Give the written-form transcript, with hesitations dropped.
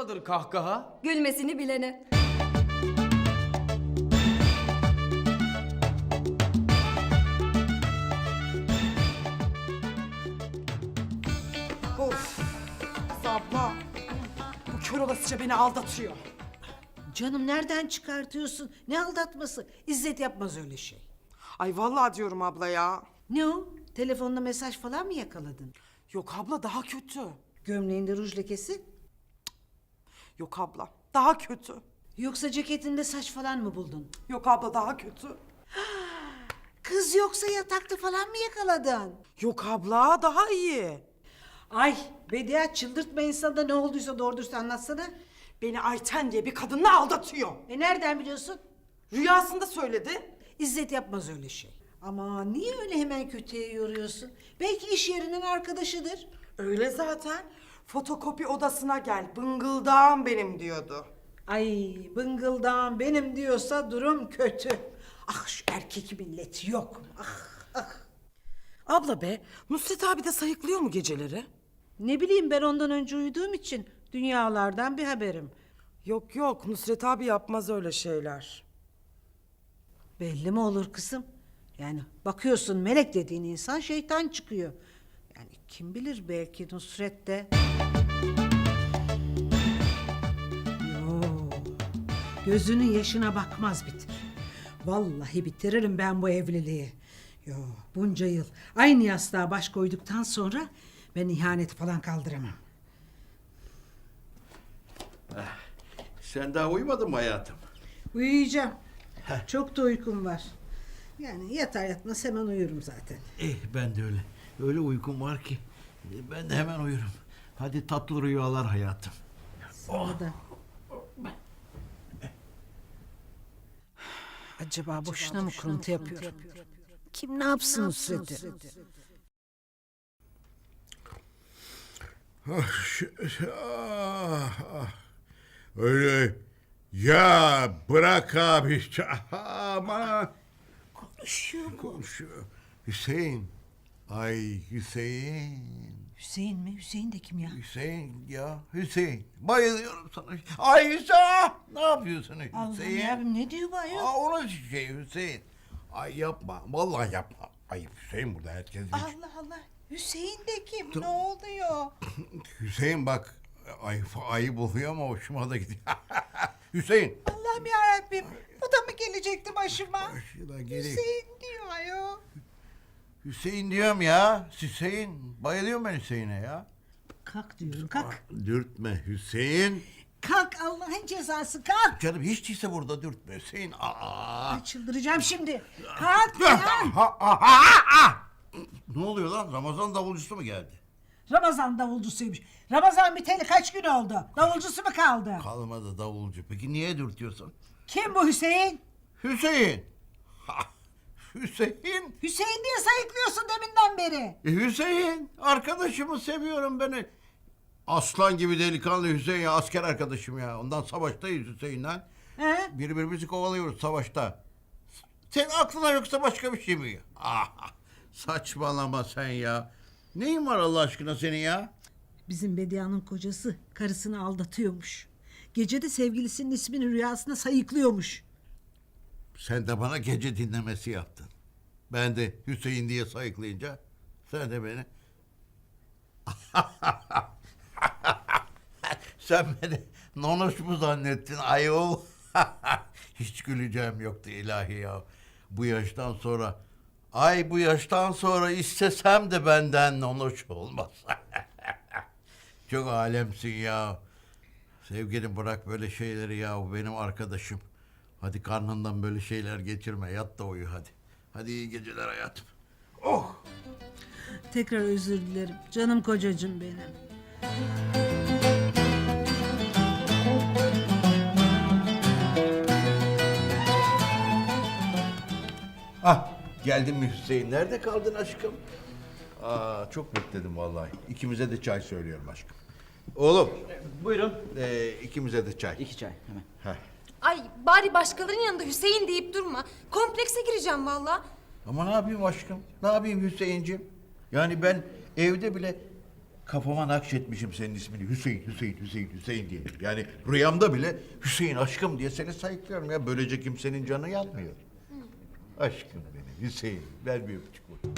onadır kahkaha? Gülmesini bilene. Of. Kız abla. Bu kör olasıca beni aldatıyor. Canım nereden çıkartıyorsun? Ne aldatması? İzzet yapmaz öyle şey. Ay vallahi diyorum abla ya. Ne o? Telefonda mesaj falan mı yakaladın? Yok abla daha kötü. Gömleğinde ruj lekesi? Yok abla daha kötü. Yoksa ceketinde saç falan mı buldun? Yok abla daha kötü. Kız yoksa yatakta falan mı yakaladın? Yok abla daha iyi. Ay Bediye çıldırtma insanı da ne olduysa doğru dürüst anlatsana. Beni Ayten diye bir kadınla aldatıyor. Nereden biliyorsun? Rüyasında söyledi. İzzet yapmaz öyle şey. Ama niye öyle hemen kötüye yoruyorsun? Belki iş yerinin arkadaşıdır. Öyle zaten. Fotokopi odasına gel. Bıngıldağım benim diyordu. Ay bıngıldağım benim diyorsa durum kötü. Ah şu erkek milleti yok mu? Ah. Abla be, Nusret abi de sayıklıyor mu geceleri? Ne bileyim ben ondan önce uyuduğum için dünyalardan bir haberim. Yok yok, Nusret abi yapmaz öyle şeyler. Belli mi olur kızım? Yani bakıyorsun melek dediğin insan şeytan çıkıyor. Yani kim bilir belki Nusret de... Yo, gözünün yaşına bakmaz bitir. Vallahi bitiririm ben bu evliliği. Yo, bunca yıl aynı yastığa baş koyduktan sonra ben ihaneti falan kaldıramam. Sen daha uyumadın mı hayatım? Uyuyacağım. Çok da uykum var. Yani yatar yatmaz hemen uyurum zaten. Ben de öyle. Öyle uykum var ki. Ben de hemen uyurum. Hadi tatlı rüyalar hayatım. Sana da. Acaba boşuna mı kuruntu yapıyor? Kim ne yapsın Nusret'i? Öyle ya bırak abi. Aman. Konuşuyor. Hüseyin. Ay Hüseyin. Hüseyin mi? Hüseyin de kim ya? Hüseyin ya Hüseyin. Bayılıyorum sana. Ay Hüseyin. Ne yapıyorsun Allah'ım Hüseyin? yarabbim ne diyor bu ayol? Onun şey Hüseyin. Ay yapma. Vallahi yapma. Ayıp Hüseyin burada herkes bilir. Allah Allah. Hüseyin de kim? Ne oluyor? Hüseyin bak ayıp oluyor ama hoşuma da gidiyor. Hüseyin. Allah'ım yarabbim. Bu da mı gelecekti başıma? Başına geleyim. Hüseyin diyor ayol. Hüseyin diyorum ya. Hüseyin. Bayılıyorum ben Hüseyin'e ya. Kalk diyorum kalk. Dürtme Hüseyin. Kalk Allah'ın cezası kalk. Canım hiç değilse burada dürtme Hüseyin. Ay, çıldıracağım şimdi. Kalk ya. Ne oluyor lan? Ramazan davulcusu mu geldi? Ramazan davulcusuymuş. Ramazan biteli kaç gün oldu? Davulcusu mu kaldı? Kalmadı davulcu. Peki niye dürtüyorsun? Kim bu Hüseyin? Hüseyin. Hüseyin. Hüseyin diye sayıklıyorsun deminden beri. Hüseyin. Arkadaşımı seviyorum beni. Aslan gibi delikanlı Hüseyin ya. Asker arkadaşım ya. Ondan savaştayız Hüseyin'le. He? Birbirimizi kovalıyoruz savaşta. Senin aklına yoksa başka bir şey mi? Saçmalama sen ya. Neyin var Allah aşkına senin ya? Bizim Bedia'nın kocası karısını aldatıyormuş. Gece de sevgilisinin ismini rüyasında sayıklıyormuş. Sen de bana gece dinlemesi yaptın. Ben de Hüseyin diye sayıklayınca sen de beni... Sen beni nonoş mu zannettin ayol? Hiç güleceğim yoktu ilahi ya. Bu yaştan sonra... bu yaştan sonra istesem de benden nonoş olmaz. Çok alemsin ya. Sevgilim bırak böyle şeyleri ya. O benim arkadaşım. Hadi karnından böyle şeyler geçirme. Yat da uyu hadi. Hadi iyi geceler hayatım. Oh! Tekrar özür dilerim. Canım kocacığım benim. Geldin mi Hüseyin? Nerede kaldın aşkım? Çok bekledim vallahi. İkimize de çay söylüyorum aşkım. Oğlum. Buyurun. İkimize de çay. 2 çay hemen. Heh. Ay bari başkalarının yanında Hüseyin deyip durma. Komplekse gireceğim valla. Ama ne yapayım aşkım? Ne yapayım Hüseyinciğim? Yani ben evde bile kafama nakşetmişim senin ismini. Hüseyin, Hüseyin, Hüseyin, Hüseyin diye. Yani rüyamda bile Hüseyin aşkım diye seni sayıklıyorum ya. Böylece kimsenin canı yanmıyor. Aşkım benim Hüseyin. Ver bir öpücük.